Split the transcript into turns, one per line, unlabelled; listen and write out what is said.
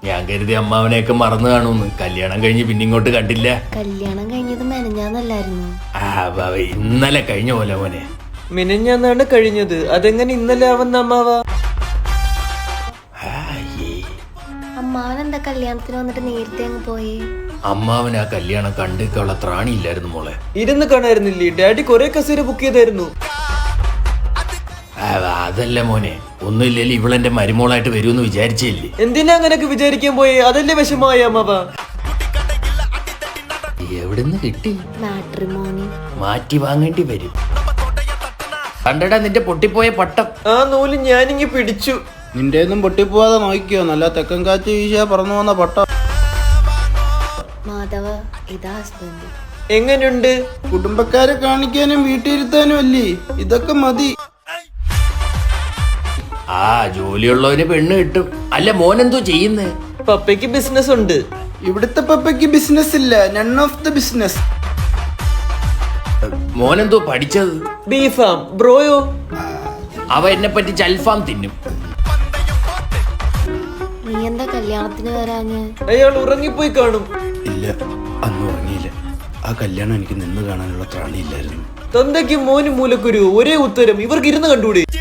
ഞാൻ കരുതി അമ്മാവനെയൊക്കെ മറന്നു കാണുമെന്ന്. കല്യാണം കഴിഞ്ഞ് പിന്നെ ഇങ്ങോട്ട് കണ്ടില്ല.
കല്യാണം കഴിഞ്ഞത് മെനഞ്ഞാന്നല്ലായിരുന്നു.
ഇന്നലെ കഴിഞ്ഞ പോലെ മോനെ.
മിനഞ്ഞാന്നാണ് കഴിഞ്ഞത്, അതെങ്ങനെ ഇന്നലെ ആവുന്ന അമ്മാവ?
അമ്മാവൻ എന്താ കല്യാണത്തിന് വന്നിട്ട് നേരത്തെ അങ്ങ് പോയി?
അമ്മാവൻ ആ കല്യാണം കണ്ടിട്ടുള്ള ത്രാണിയില്ലായിരുന്നു മോളെ.
ഇരുന്ന് കാണായിരുന്നില്ലേ? ഡാഡി കൊറേ കസേര ബുക്ക് ചെയ്തായിരുന്നു.
അതല്ല മോനെ, ഒന്നുമില്ലല്ലോ ഇവളെന്റെ മരുമോളായിട്ട് വരുമെന്ന് വിചാരിച്ചില്ലേ.
എന്തിനാ അങ്ങനൊക്കെ വിചാരിക്കാൻ പോയേ? അതല്ലേ വിഷമമായ അമ്മാവ?
എവിടുന്ന് കിട്ടി?
മാട്രിമോണി
മാറ്റി വാങ്ങേണ്ടി വരും. കണ്ടടാ നിന്റെ പൊട്ടിപ്പോയ പട്ടം.
ആ നൂല് ഞാനിങ്ങി പിടിച്ചു.
നിന്റെ ഒന്നും പൊട്ടിപ്പോവാതെ നോക്കിയോ, നല്ല തെക്കൻ കാറ്റ് വീശാ പറന്നു വന്ന പട്ട.
മാധവ, ഇതാ ഹസ്ബൻഡ്.
എങ്ങനെയുണ്ട്?
കുടുംബക്കാരെ കാണിക്കാനും വീട്ടിലിരുത്താനും അല്ലേ, ഇതൊക്കെ മതി.
ആ ജോലിയുള്ളവന് പെണ്ണ് കിട്ടും. അല്ല മോനെന്തോ ചെയ്യുന്നേ?
പപ്പയ്ക്ക് ബിസിനസ് ഉണ്ട്.
ഇവിടുത്തെ പപ്പയ്ക്ക് ബിസിനസ് ഇല്ല, നൺ ഓഫ് ദ ബിസിനസ്.
മോനെന്തോ പഠിച്ചത്?
ബീഫാം. ബ്രോയോ?
അവ എന്നെ പറ്റി ചൽഫാം തിന്നും.
നീ എന്താ കല്യാണത്തിന് വരാഞ്ഞ്?
അയാൾ ഉറങ്ങിപ്പോയി കാണും.
ഇല്ല, അന്ന് ഉറങ്ങിയില്ല. ആ കല്യാണം എനിക്ക് നിന്ന് കാണാനുള്ള ത്രാണിയില്ലായിരുന്നു.
തന്തയ്ക്കും മോനും മൂലക്കുരു ഒരേ ഉത്തരം. ഇവർക്ക് ഇരുന്ന് കണ്ടുകൂടെ?